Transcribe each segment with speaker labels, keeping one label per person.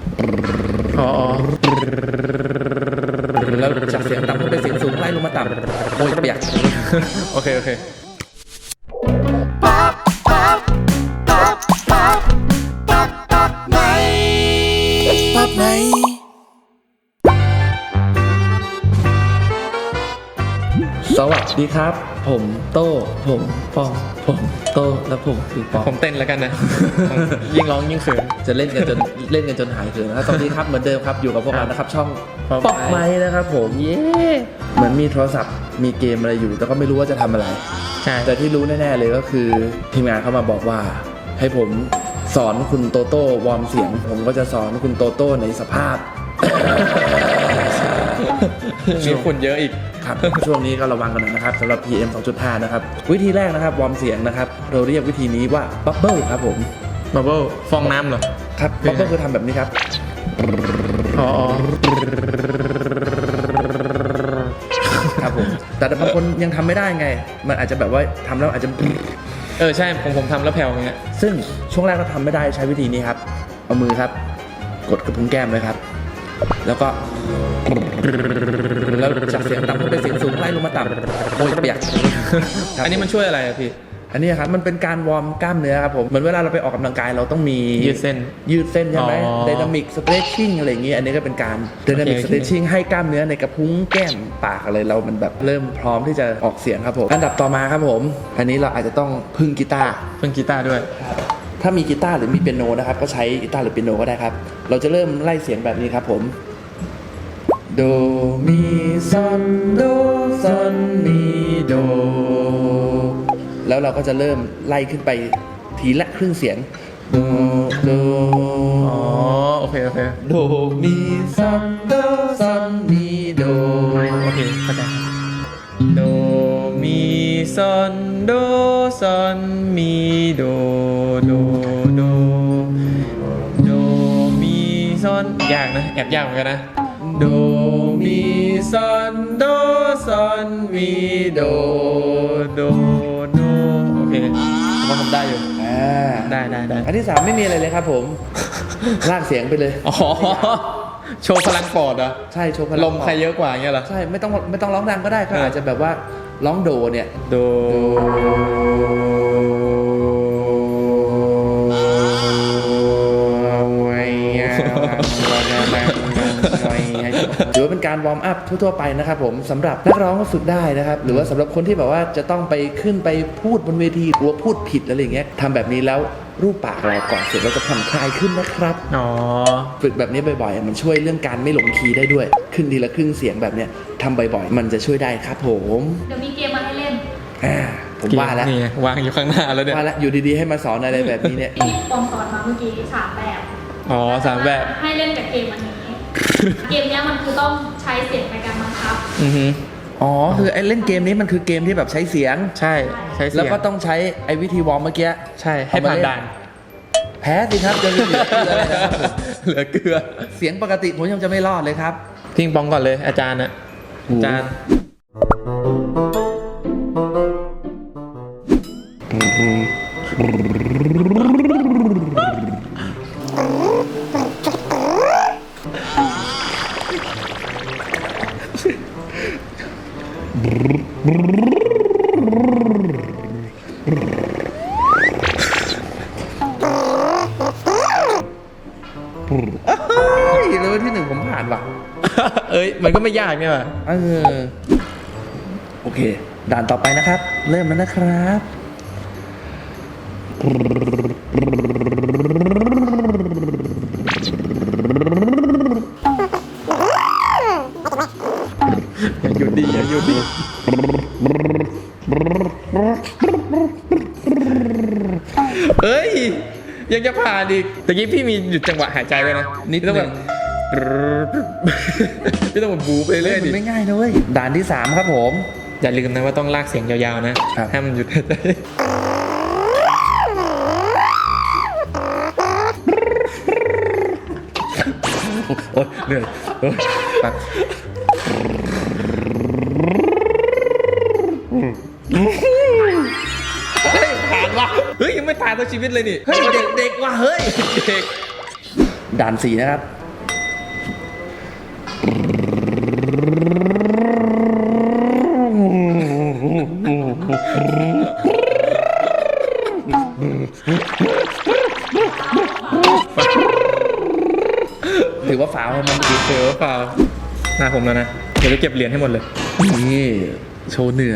Speaker 1: อ๋อ
Speaker 2: แล้วจากเสียงต่ำขึ้นไปเสียงสูงไล่ลงมาต่ำโอ้ยเปียก
Speaker 1: โอเค
Speaker 2: สวัสดีครับผมโต้ผมปองผมโต้และผมคือปอง
Speaker 1: ผมเต้นแล้วกันนะ ยิ่งร้องยิ่งเขิน
Speaker 2: จะเล่นกันจนหายเขินนะครับสวัสดีครับเหมือนเดิมครับอยู่กับพวกเรานะครับช่อง
Speaker 1: Pop
Speaker 2: ป๊อปไมค์นะครับผมเย้เหมือนมีโทรศัพท์มีเกมอะไรอยู่แต่ก็ไม่รู้ว่าจะทำอะไร
Speaker 1: ใช่
Speaker 2: แต่ที่รู้แน่ๆเลยก็คือทีมงานเข้ามาบอกว่าให้ผมสอนคุณโตโต้วอร์มเสียงผมก็จะสอนคุณโตโต้ในสภาพ
Speaker 1: มีฝุ่นเยอะอีก
Speaker 2: ครับ ช่วงนี้ก็ระวังกันหน่อยนะครับสำหรับ PM 2.5 นะครับวิธีแรกนะครับวอร์มเสียงนะครับเราเรียกวิธีนี้ว่าบับเบิ้ลครับผม
Speaker 1: บับเบิ้ลฟองน้ำเหรอ
Speaker 2: ครับบับเบิ้ลคือทำแบบนี้ครับ
Speaker 1: อ๋อ
Speaker 2: ครับผมแต่บางคนยังทำไม่ได้ไงมันอาจจะแบบว่าทำแล้วอาจจะ
Speaker 1: ใช่ผมทำแล้วแผ่วอย่างเงี้ย
Speaker 2: ซึ่งช่วงแรกเราทำไม่ได้ใช้วิธีนี้ครับเอามือครับกดกระพุ้งแก้มเลยครับแล้วก็แล้วจากเสียงต่ำขึ้นไปเสียงสูงไล่ลงมาต่ำโอ้ยเปียก
Speaker 1: อันนี้มันช่วยอะไรอะพี่
Speaker 2: อันนี้ครับมันเป็นการวอร์มกล้ามเนื้อครับผมเหมือนเวลาเราไปออกกำลังกายเราต้องมี
Speaker 1: ยืดเส้น
Speaker 2: ใช่ไหม
Speaker 1: อ๋อ
Speaker 2: ไดนามิกสเตรชชิ่งอะไรอย่างงี้อันนี้ก็เป็นการไดนามิก
Speaker 1: โอ
Speaker 2: ส
Speaker 1: เค
Speaker 2: เตรชชิ่งให้กล้ามเนื้อในกระพุ้งแก้มปากอะไรเรามันแบบเริ่มพร้อมที่จะออกเสียงครับผมอันดับต่อมาครับผมอันนี้เราอาจจะต้องพึ่งกีตาร์
Speaker 1: เพิ่งกีตาร์ด้วย
Speaker 2: ถ้ามีกีตาร์หรือมีเปียโนนะครับก็ใช้กีตาร์หรือเปียโนก็ได้ครับเราจะเริ่มไล่เสียงแบบนี้ครับผมโดมีซอนโดซอนมีโดแล้วเราก็จะเริ่มไล่ขึ้นไปทีละครึ่งเสียงโดโด
Speaker 1: อ๋อโอเค
Speaker 2: โดมีซอนโดซอนมีโด
Speaker 1: โอเคเข้าใจโดมีซอนโดซอนมีโดโดโดโดมีซอนยากนะแอบยากเหมือนกันนะโดมีซอนโดซอนมีโดโดโดโอเคผมว่าผมได้อยู่ ได้
Speaker 2: อันที่ 3ไม่มีอะไรเลยครับผมลากเสียงไปเลย
Speaker 1: อ๋อโชว์พลังปอดเหรอ
Speaker 2: ใช่โชว์พลัง
Speaker 1: ลมใครเยอะกว่าอย่างเงี้ยเหรอ
Speaker 2: ใช่ไม่ต้องร้องดังก็ได้ก็อาจจะแบบว่าร้องโดเนี่ย
Speaker 1: โด
Speaker 2: ถือว่าเป็นการวอร์มอัพทั่วๆไปนะครับผมสำหรับนักร้องก็ฝึกได้นะครับหรือว่าสำหรับคนที่แบบว่าจะต้องไปขึ้นไปพูดบนเวทีกลัวพูดผิดอะไรอย่างเงี้ยทำแบบนี้แล้วรูปปากเราก่อนเสร็จเราจะผ่อนคลายขึ้นนะครับ
Speaker 1: อ๋อ
Speaker 2: ฝึกแบบนี้บ่อยๆมันช่วยเรื่องการไม่หลงคีย์ได้ด้วยขึ้นทีละครึ่งเสียงแบบเนี้ยทำบ่อยๆมันจะช่วยได้ครับผม
Speaker 3: เดี๋ยวมีเกมมาให้เล่น
Speaker 2: ผมว่าแล้ว
Speaker 1: นี่ไงวางอยู่ข้างหน้าแล้วเนี่ย
Speaker 2: ว่าแล้วอยู่ดีๆให้มาสอนอะไรแบบนี้เนี่ย
Speaker 3: ที่ปองสอนมาเมื่อกี้3 แบบ
Speaker 1: อ๋อ3 แบบ
Speaker 3: ให้เล่นกับเกมอันนี้ เกมเนี้ยมันคือต้องใช้เสียงในการบังคับ
Speaker 1: อือฮึ
Speaker 2: อ๋อคือไอ้เล่นเกมนี้มันคือเกมที่แบบใช้เสียง
Speaker 1: ใช่ใช้เสียง
Speaker 2: แล้วก็ต้องใช้ไอ้วิธีวอร์มเมื่อกี้
Speaker 1: ใช่ให้ผ่านด่าน
Speaker 2: แพ้สิครับจะเหลือเกลือเลยนะครับผม
Speaker 1: เหลือเกลือ
Speaker 2: เสียงปกติผมยังจะไม่รอดเลยครับ
Speaker 1: พิงปองก่อนเลยอาจารย์นะอาจารย์
Speaker 2: เฮ้ยเลเวลที่ 1ผมผ่านว่ะ
Speaker 1: เอ้ยมันก็ไม่ยากเนี่ยว่ะ
Speaker 2: โอเค ด่านต่อไปนะครับ เริ่มแล้วนะครับ
Speaker 1: อย่าหยุดดิอย่าหยุดดิเอ้ยยังจะผ่านอีกตะกี้พี่มีหยุดจังหวะหายใจไว้นะ
Speaker 2: นิด
Speaker 1: ต้อง
Speaker 2: นึ
Speaker 1: แบ
Speaker 2: ง
Speaker 1: บพี่ต้องแบบบูไปเรื่อย
Speaker 2: มั
Speaker 1: ดิ
Speaker 2: นไม่ง่ายนะเว้ยด่านที่ 3 ครับผม
Speaker 1: อย่าลืมนะว่าต้องลากเสียงยาวๆนะครับ ห้ามหยุดหายใจโอ๊ยเหนื่อยโอ๊ยแบบ เฮ้ยผ่านว่ะเฮ้ยยังไม่ผ่านตัวชีวิตเลยนี่
Speaker 2: เฮ้ยเด็กๆว่ะเฮ้ย
Speaker 1: เด็ก
Speaker 2: ด่าน 4 นะครับถือว่าฝาวให้มันเมื่อกี้
Speaker 1: เจอเปล่าหน้าผมแล้วนะเดี๋ยวจะเก็บเหรียญให้หมดเลย
Speaker 2: นี่โชว์เหนือ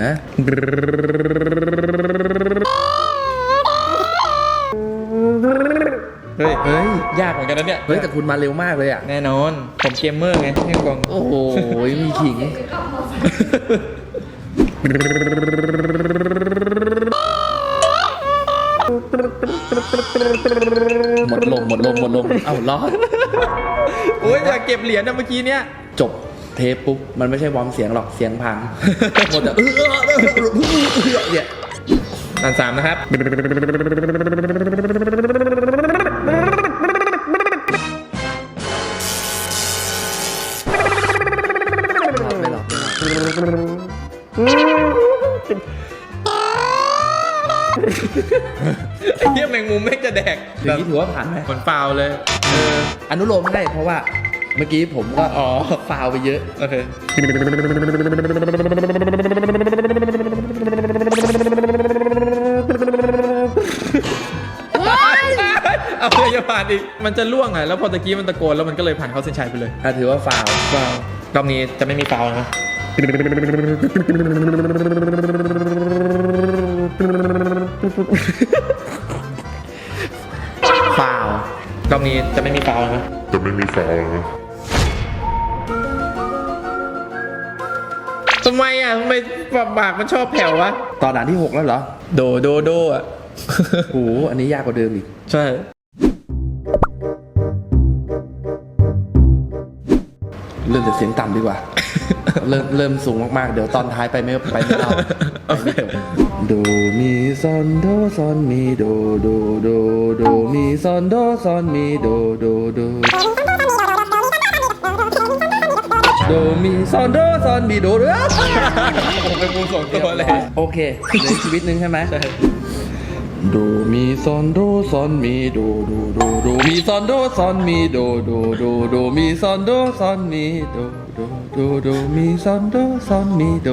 Speaker 1: เฮ้ยยากเหมือนกันนะเนี่ย
Speaker 2: เฮ้ยแต่คุณมาเร็วมากเลยอ่ะ
Speaker 1: แน่นอนผมเกมเมอร์ไงพี่กอง
Speaker 2: โอ้โหมีขิง หมดลมเอ้ารอด
Speaker 1: โอ้ยอยากเก็บเหรียญนะเมื่อกี้เนี้ย
Speaker 2: จบเทปปุ๊บมันไม่ใช่วอร์มเสียงหรอกเสียงพังหมดแต่เนี่ย
Speaker 1: ด่าน3นะครับ
Speaker 2: ไม่หรอก
Speaker 1: ไอ้เหี้ยแมงมุมไม่จะแดก
Speaker 2: อย่างนี้ถือว่าผ่านไหม
Speaker 1: เหมือนเปล่าเลย
Speaker 2: อนุโลมให้เพราะว่าเมื่อกี้ผมก็ฟาวไปเยอะ
Speaker 1: โอเคเอาเลยจะผ่านอีกมันจะล่วงไงแล้วพอตะกี้มันตะโกนแล้วมันก็เลยผ่านเข้าเส้นชัยไปเลย
Speaker 2: ถือว่าฟาว
Speaker 1: ฟาวรอบนี้จะไม่มีฟาวนะ
Speaker 2: ฟาว
Speaker 1: รอบนี้จะไม่มีฟาวนะ
Speaker 4: จะไม่มีฟาวล์นะ
Speaker 1: ทำไมอ่ะทำไมปากมันชอบแผ่ววะ
Speaker 2: ตอนด่านที่ 6 แล้วเหรอ
Speaker 1: โดอ่ะ
Speaker 2: โอ้โหอันนี้ยากกว่าเดิมอีก
Speaker 1: ใช่
Speaker 2: เริ่มจากเสียงต่ำดีกว่า เริ่มสูงมากๆ เดี๋ยวตอนท้ายไปไม่รอดไปไม่จบโดมีซอนโดซอนมีโดมีซอนโดซอนมีโดมีซอนโดซอนมีโด
Speaker 1: ผมเป็นมุมส่งตัวเลย
Speaker 2: โอเคเหลือชีวิตหนึ่งใช่ไหมโดมีซอนโดซอนมีโดมีซอนโดซอนมีโดมีซอนโดซอนมีโดมีซอนโดซอนมีโด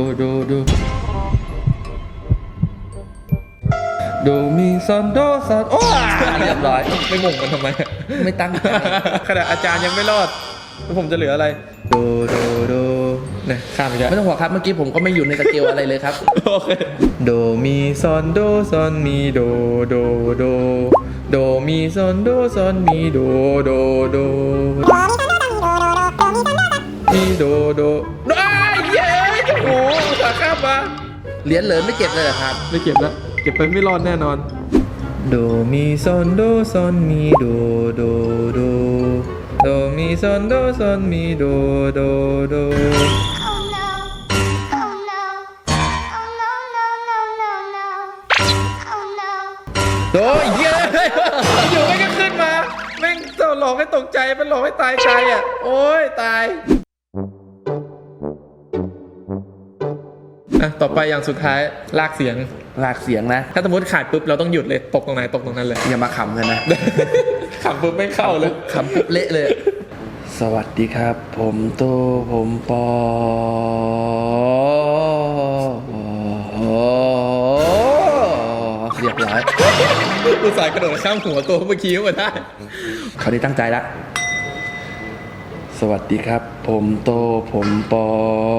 Speaker 2: มีซอนโดซอนโอ้เรียบร้อย
Speaker 1: ไม่งงมันทำไม
Speaker 2: ไม่ตั้งใจ
Speaker 1: ขนาดอาจารย์ยังไม่รอดแล้วผมจะเหลืออะไรโดเนี่ยข้ามไปแล้ว
Speaker 2: ไม่ต้องห่วงครับเมื่อกี้ผมก็ไม่อยู่ในสเกลอะไรเลยครับ
Speaker 1: โอเคโดมีซอนโดซอนมีโดมีซอนโดซอนมีโดมีโดอ้ายเย้โอ้โหสาข้ามมา
Speaker 2: เหรียญเหลินไม่เก็บเลยเหรอครับ
Speaker 1: ไม่เก็บแล้วเก็บไปไม่รอดแน่นอนโดมีซอนโดซอนมีโดมีซอนโดซอนมีโด
Speaker 5: Oh no. Oh no. Oh no, no, no, no, no. Oh no.
Speaker 1: โอ้ยเย้อยู่ไม่ก็ขึ้นมาแม่งหลอกให้ตกใจมันหลอกให้ตายใจอ่ะโอ้ยตายอ่ะต่อไปอย่างสุดท้ายลากเสียง
Speaker 2: ลากเสียงนะ
Speaker 1: ถ้าสมมติขาดปุ๊บเราต้องหยุดเลยตกตรงไหนตกตรงนั้นเลย
Speaker 2: อย่ามาขำกันนะ
Speaker 1: ขำปุ๊บไม่เข้าเลย
Speaker 2: ขำปุ๊บเละเลย สวัสดีครับ ผมโตผมปอเรียบร้อย
Speaker 1: อุตส่าห์กระโดดข้ามหัวตัวเมื่อกี้มาได้
Speaker 2: คราวนี้ตั้งใจละสวัสดีครับ ผมโตผมปอ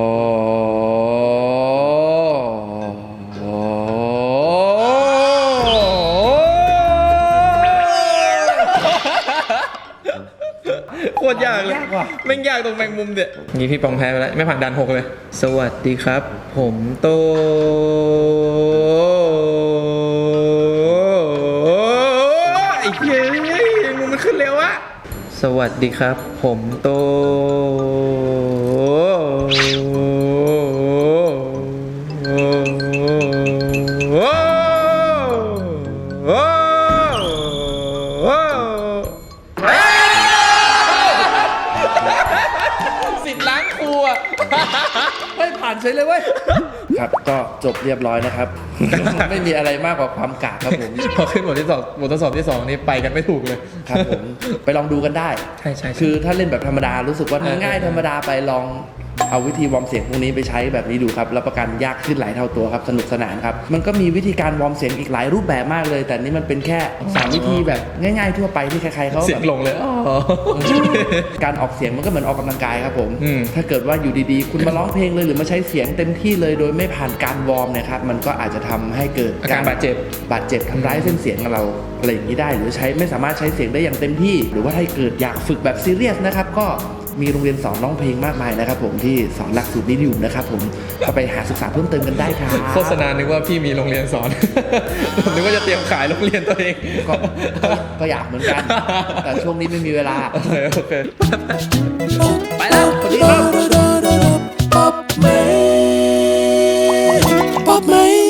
Speaker 1: โคตรยากเลยแม่งยากตรงแมงมุมเด็ดงี้พี่ปองแพ้ไปแล้วไม่ผ่านด่าน6เลย สวัสดีครับ ผมโตไอ้เหี้ยแมงมุมมันขึ้นเร็วอะสวัสดีครับ ผมโตสิทธิ์ล้างครูอ่ะ
Speaker 2: ไม่ผ่านเฉยเลยเว้ยครับก็จบเรียบร้อยนะครับ ไม่มีอะไรมากกว่าความกากครับผม
Speaker 1: พอขึ้นบทที่สองบททดสอบที่ 2 นี่ไปกันไม่ถูกเลย
Speaker 2: ครับผมไปลองดูกันได้
Speaker 1: ใช่ใช่
Speaker 2: คือถ้าเล่นแบบธรรมดารู้สึกว่า
Speaker 1: เออ
Speaker 2: ง่ายธรรมดาไปลองเอาวิธีวอร์มเสียงพวกนี้ไปใช้แบบนี้ดูครับรับประกันยากขึ้นหลายเท่าตัวครับสนุกสนานครับมันก็มีวิธีการวอร์มเสียงอีกหลายรูปแบบมากเลย แต่นี่มันเป็นแค่3วิธีแบบง่ายๆทั่วไปที่ใครๆเขา
Speaker 1: เสียง
Speaker 2: แบบ
Speaker 1: ลงเลยอ๋อ
Speaker 2: การออกเสียงมันก็เหมือนออกกำลังกายครับผม
Speaker 1: อืม
Speaker 2: ถ้าเกิดว่าอยู่ดีๆ คุณมาร้องเพลงเลยหรือมาใช้เสียงเต็มที่เลยโดยไม่ผ่านการวอร์มเนี่ยครับมันก็อาจจะทำให้เกิด
Speaker 1: อาการบาดเจ็บ
Speaker 2: ทำร้ายเส้นเสียงของเราอะไรอย่างนี้ได้ หรือใช้ไม่สามารถใช้เสียงได้อย่างเต็มที่ หรือว่าถ้าเกิดอยากฝึกแบบซีเรียสนะครับก็มีโรงเรียนสอนร้องเพลงมากมายนะครับผมที่สอนหลักสูตรนี้อยู่นะครับผมก็ไปหาศึกษาเพิ่มเติมกันได้ครับ
Speaker 1: โฆษณานึกว่าพี่มีโรงเรียนสอน ผมนึกว่าจะเตรียมขายโรงเรียนตัวเอง
Speaker 2: ก็อยากเหมือนกัน แต่ช่วงนี้ไม่มีเวลา
Speaker 1: โอเค
Speaker 2: ไปแล้วสวัสดีครับ
Speaker 4: Pop me.